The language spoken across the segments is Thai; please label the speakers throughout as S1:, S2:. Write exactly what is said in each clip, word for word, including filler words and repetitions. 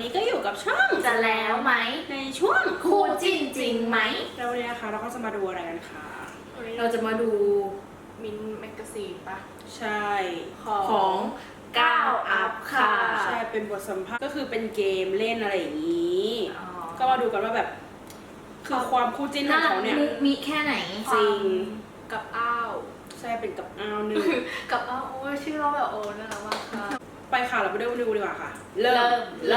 S1: นี้ก็อยู่กับช่อง
S2: จะแล้วไหม
S1: ในช่วง
S2: คู่จิ้นจริงไหม
S1: แล้ววันนี้นะคะเราก็จะมาดูอะไรกันคะ
S2: เราจะมาดูมินแมกกาซีนปะ
S1: ใช่
S2: ของก้าวอัพค่ะ
S1: ใช่เป็นบทสัมภาษณ์ก็คือเป็นเกมเล่นอะไรอย่างนี้
S2: อ๋อ
S1: ก็มาดูกันว่าแบบ คือความคู่จิ้นของเขาเนี่ย
S2: มุกมีแค่ไหน
S1: จริง
S3: กับอ้าว
S1: ใช่เป็นกับอ้าวหนึ่ง
S3: กับอ้าวโอ้ยชื่อเราแบบโอ้น่ารักมากค่ะ
S1: ไปค่ะเราไปดูดูดีกว่าค่ะ
S2: เริ่มเลย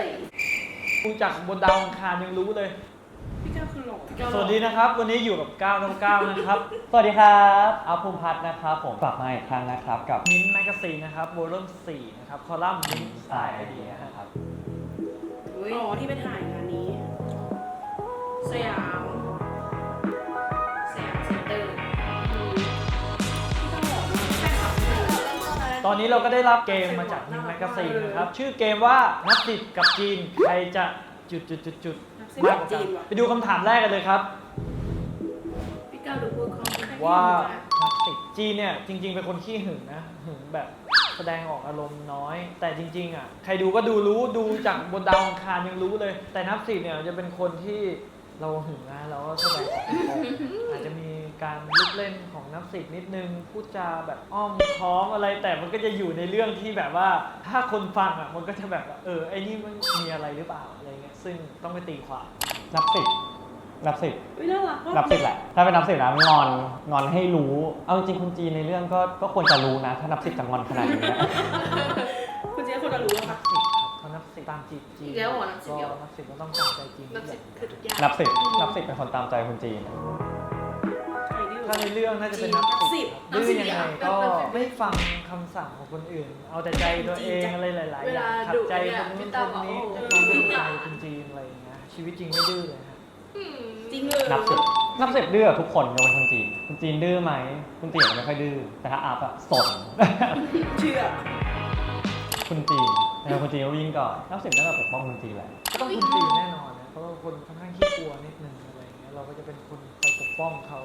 S4: ดูจากบนดาวอังคารยังรู้เลย
S1: พี่ก้าวคือหล่อ
S4: สวัสดีนะครับ วันนี้อยู่กับก้าวน้องก้าวนะครับ
S5: สวัสดีครับอัพภูมิพัฒน์นะครับผมกลับมาอีกครั้งนะครับกับ
S4: มิ้นท์แมกกาซีนนะครับวอลุ่มสี่นะครับคอลัมน์มิ้นท์สไตล์ไอเดียนะครับ
S1: อ๋อที่ไปถ่ายงานนี้ สยาม
S2: แซมเซ็นเตอร์
S1: พี่ก้าวหล่อมาก
S2: แฟนคลับเลย
S4: ตอนนี้เราก็ได้รับเกมมาจากมิ้นท์แมกกาซีนนะครับ ชื่อเกมว่านับสิบกับจีน ใครจะจุดจุดจุดจุด
S1: นักแสด
S4: มาก
S1: ง
S4: กว่า
S1: จี
S4: กัน
S1: นว่ะ
S4: ไปดูคำถามแรกกันเลยครับ
S2: พี่ก้าวดูพูดคล่อง
S4: ว่านับสิบจีนเนี่ยจริง ๆ เป็นคนขี้หึงนะหึงแบบแสดงออกอารมณ์น้อย แต่จริง ๆอ่ะใครดูก็ดูรู้ดูจากบนดาวอังคารยังรู้เลย แต่นับสิบเนี่ยจะเป็นคนที่เราหึงนะเราก็แสดงออกอาจจะมีการลุกเล่นของนับสิบนิดนึงพูดจาแบบอ้อมค้อมอะไร แต่มันก็จะอยู่ในเรื่องที่แบบว่าถ้าคนฟังอ่ะมันก็จะแบบว่าเออไอ้นี่มันมีอะไรหรือเปล่าอะไรเงี้ยซึ่งต้องไปตีความ
S5: นับสิบนับสิบ
S1: อุ๊ยน่ารักมาก
S5: นับสิบแหละ ถ้าเป็นนับสิบนะงอนงอนให้รู้ เอาจริงๆคนจีนในเรื่องก็ก็ควรจะรู้นะ ถ้านับสิบจะงอนขนาดนี้นะ
S1: คุณเจ๊คนจะรู้แล้ว
S4: นั
S1: ค่ะ
S4: บสิบครับเขานับสิบตามจีบจีน
S2: อีกแล้วเหรอนับสิบเดียว
S4: ก็นับสิบก็ต้องตามใจจีน
S3: นับสิบคือทุกอย่าง
S5: นับสิบนับสิบเป็นคนตามใจคนจีน
S1: ใครดื้อ
S4: ถ้าในเรื่องน่าจะเป็นนับ
S1: นับสิ
S4: สิ
S1: บ
S4: บดื้อยังไงก็ไม่ฟังคำสั่งของคนอื่น เอาแต่ใจตัวเองอะไรหลายๆอย่างขัดใจคนนู้นคนนี้จะต้องดูใจคนจีนอะไรอย่างเงี้ยชีวิตจริงไม่ดื้อเลยฮะ
S1: จริงเลย
S5: นับสิบนับสิบดื้อกับทุกคนยกเว้นคนจีน คนจีนดื้อไหมคนจีนไม่ค่อยดื้อ แต่ถ้าอัพอะสน
S1: เชื่อ
S5: คนจีนแต่คนจีนก็วิ่งก่อน นับสิบน่าจะปกป้องคนจีนแหละ
S4: ก็ต้องคนจีนแน่นอนนะเพราะว่าคนค่อนข้างขี้กลัวนิดนึงอะไรอย่างเงี้ยเราก็จะเป็นคนไปปกป้องเขา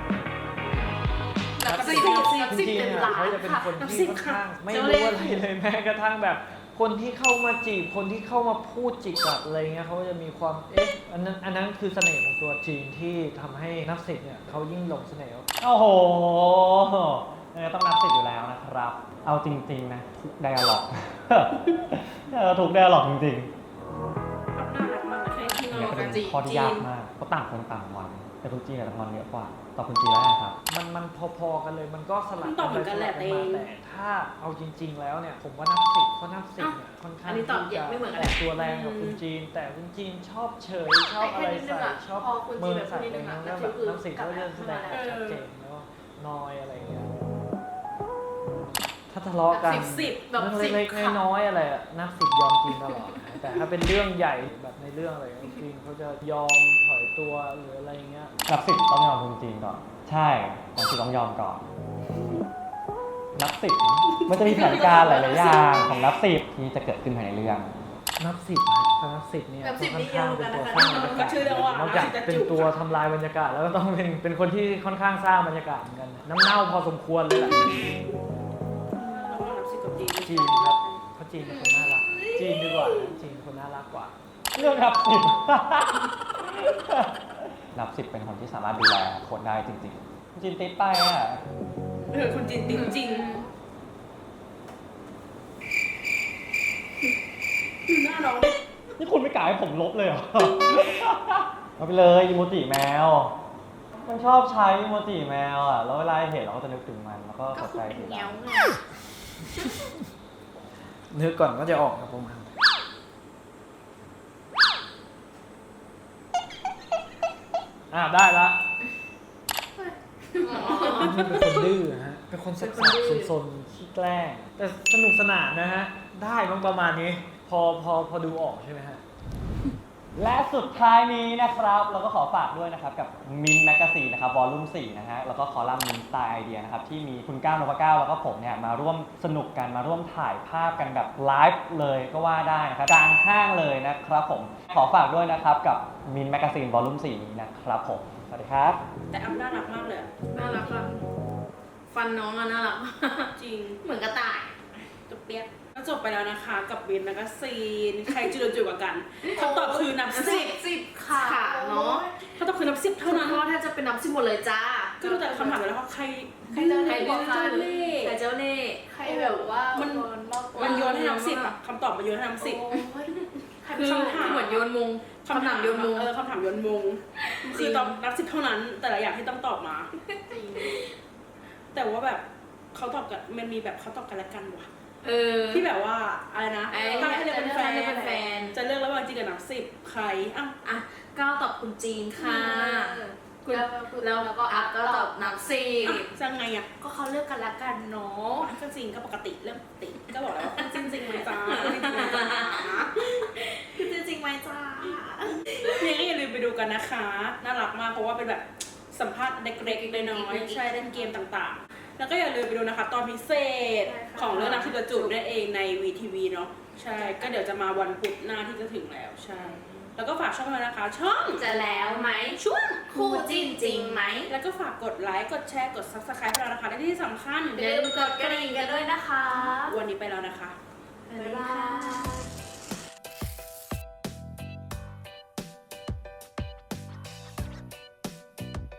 S2: นับสิบ
S1: นับสิบ
S2: นับ
S4: จ
S2: สิบ
S4: ริง
S2: เป็น
S4: ๆ
S2: ล้า
S4: อะเขา
S2: น
S4: จะเป็น
S2: ค่ะ
S4: คน
S1: นับ
S4: ที่
S1: สิบ
S4: ค่อนข้าง
S1: ค่ะ
S4: ไม่รู้อะไรเลยแม้กระทั่งแบบ คนที่เข้ามาจีบคนที่เข้ามาพูดจิกกัดอะไรเงี้ยเขาจะมีความเอ๊ะอันนั้นอันนั้นคือเสน่ห์ของตัวจีนที่ทำให้นับสิบเนี่ยเขายิ่งหลงเสน่ห์
S5: โอ้โหเออต้องนับสิบอยู่แล้วนะครับ เอาจริงๆนะ ทุกไดอะล็อก เออทุกไดอะล็อกจริง
S1: อัพน่ารักมากเลย
S2: ที่
S5: ๆ
S2: นอ
S5: เนี่ย
S2: น
S5: เป็
S2: กัน
S5: น
S2: จี
S5: ข้อที่ยากมากเพราะต่างคนต่างงอน แต่คนจีนอาจจะงอนเยอะกว่าต่อคนจีนแล้วนะครับ
S4: มันมันพอๆกันเลยมันก็สลับ
S1: มันตอบเหมือนกันแหละ
S4: ส
S1: เต
S4: บ
S1: ง
S4: มาแต่ถ้าเอาจริง ๆ แล้วเนี่ยผมว่านับสิบเพราะนับสิบเนี่ยค่อนข้าง
S2: อันนี้ตอบ
S4: ที่
S2: เย
S4: จะ
S2: อะไม่เหมือนกัน
S4: ออกตัวแรงกับคนจีน แต่คนจีนชอบเฉยชอบอะไรใส่ชอบ
S2: พอคนจี
S4: เมิ
S2: น
S4: น
S2: แบบ
S4: ใส่
S2: นิด
S4: อะไร
S2: นึง
S4: เงี้
S2: อะ
S4: ย
S2: นั
S4: แล้
S2: บ
S4: ว
S2: สิ
S4: แบบ
S2: บคือ
S4: นับสิบ
S2: กลับ
S4: ก็จะแสดงออก
S2: ขึ้นมาแล้ว
S4: ชัดเจนแล้วนอยอะไรเงี้ยถ้าทะเลาะกัน
S1: สิบสิบ
S2: แบบ
S4: เรื่อง
S2: สิบ
S4: เล็ก
S2: ค่ะ
S4: ๆน้อยๆอะไรอะนับสิบยอมจีนตลอดนะแต่ถ้าเป็นเรื่องใหญ่แบบในเรื่องอะไรจีนเขาจะยอมถอยตัวหรืออะไรเงี้ย
S5: นับสิบต้องยอมคนจีนก่อน ใช่นับสิบต้องยอมก่อน นับสิบมันจะมีแผนการหลายๆอย่างของนับสิบที่จะเกิดขึ้นภายในเรื่อง
S4: นับสิบนะถ้านับสิบเนี่ย
S2: นับสิบ
S4: ค่อนข้างเป็นตัว
S2: นี่
S4: สร้าง
S2: เย
S4: บร
S2: อะ
S4: ร
S2: กั
S4: ยาน กาศ
S1: ก็ชื่อเรื่องว่าน
S4: อกจากเป็นตัวทำลายบรรยากาศแล้วก็ต้องเป็นเป็นคนที่ค่อนข้างสร้างบรรยากาศเหมือนกันน้ำเน่าพอสมควรเลยแหละ
S1: ระหว่างนับสิบกับจีน
S4: จีนครับเพราะจีนเป็นคนน่ารักจีนดีกว่านะจีนเป็นคนน่ารักกว่า
S5: เรื่องนับสิบ นับสิบเป็นคนที่สามารถดูแลคนได้จริงๆจีนติดไปอ่ะ
S1: เออคนจีนติดจริงดูหน้าน้องดิ
S5: นี่คุณไม่กล่าวให้ผมลบเลยเหรอ เอาไปเลยอีโมจิแมว มันชอบใช้อีโมจิแมวอ่ะ แล้วเวลาเห็นเราก็จะนึกถึงมัน แล้วก็
S2: ก็
S5: หัว
S2: คื
S5: ใจ
S2: อเป็น
S5: สี
S2: แงว
S5: ดำ
S2: ไง
S4: นึกก่อนก็จะออกครับผมอ่าได้ละนี่เป็นคนดื้อฮะเป็นคนสับสนซนๆขี้แกล้งแต่สนุกสนานนะฮะได้บ้างประมาณนี้ พอพอพอดูออกใช่ไหมฮะ
S5: และสุดท้ายนี้นะครับเราก็ขอฝากด้วยนะครับกับมินแมกกาซีนนะครับวอลลุ่มสี่นะฮะแล้วก็คอลัมน์มินสไตล์ไอเดียนะครับที่มีคุณก้าวนพเก้าแล้วก็ผมเนี่ยมาร่วมสนุกกันมาร่วมถ่ายภาพกันแบบไลฟ์เลยก็ว่าได้นะครับกลางห้างเลยนะครับผมขอฝากด้วยนะครับกับมินแมกกาซีนวอลลุ่มสี่นี้นะครับผมสวัสดีครับ
S1: แต่อัพน่ารักมากเลยอะ
S2: น่ารักอะฟันน้องอะน่ารัก
S1: จริง
S2: เหมือนกระต่าย
S1: ตุ๊กเปียกก็จบไปแล้วนะคะกับบินแล้วก็ซีนใครจุดจุดกว่ากันคำตอบคือนับสิบ
S2: สิบค่ะ
S1: ค่ะเนาะคำตอบคือนับสิบเท่านั้น
S2: เพราะว่าถ้าจะเป็นน้ำสิบหมดเลยจ้า
S1: ก็ดูแต่คำถามไปแล้วว่าใคร
S3: ใครเจ้า
S1: ใคร
S3: เล่ห์
S1: ดื้อเจ้าเล่ห์
S2: ใครเจ้าเล่ห์
S3: ใครแบบว่า
S1: มั
S3: มัน มากกว่า
S1: มันโยนให้นับสิบอะคำตอบมันโยนให้นับสิบ
S2: โอ้ย
S1: คือ
S2: คำถามเหมือนโยนมุงคำถามโยนมุง
S1: เออคำถามโยนมุงคือตอบนับสิบเท่านั้น แต่ละอย่างที่ต้องตอบมา
S3: จริง
S1: แต่ว่าแบบเขาตอบกันมันมีแบบเขาตอบกันและกันว่ะ
S2: เออ
S1: ที่แบบว่าอะไรนะ
S2: ไอ้
S1: ถ้าให้เลือกเป็นแฟน
S2: จะเลือกเป็นแฟน
S1: จะเลือกระหว่างจีนกับนับสิบใครอ้าว
S2: อ่ะก้าวตอบคุณจีนค่ะ
S3: คุณ
S2: แล้วก็อัพก็ตอบนับสิบ
S1: อ่ะจะไงอ่ะ
S2: ก็เขาเลือกกันละกันเนาะ
S1: ก็จริงก็ปกติเรื่องปกติก็บอกแล้วว่าจริงจริงไหมจ้าจริงจริงไหมจ้า
S2: คือจริงไหมจ้า
S1: ยังไงอย่าลืมไปดูกันนะคะน่ารักมากเพราะว่าเป็นแบบสัมภาษณ์เล็กๆน้อยๆใช่เล่นเกมต่างๆ แล้วก็อย่าลืมไปดูนะคะตอนพิเศษของเรื่องนักที่ประจุนั่นเองใน วี ที วี เนาะใช่ก็เดี๋ยวจะมาวันพุธหน้าที่จะถึงแล้วใช่แล้วก็ฝากช่องมานะคะ ช่อง
S2: จะแล้วไหม
S1: ช่วง
S2: คู่จิ้นจริงไหม
S1: แล้วก็ฝากกดไลค์กดแชร์กด ซับสไครบ์ ให้เรานะคะและที่สำคัญ
S2: อย่าลืมกดกระดิ่งกันด้วยนะคะ
S1: วันนี้ไปแล้วนะคะ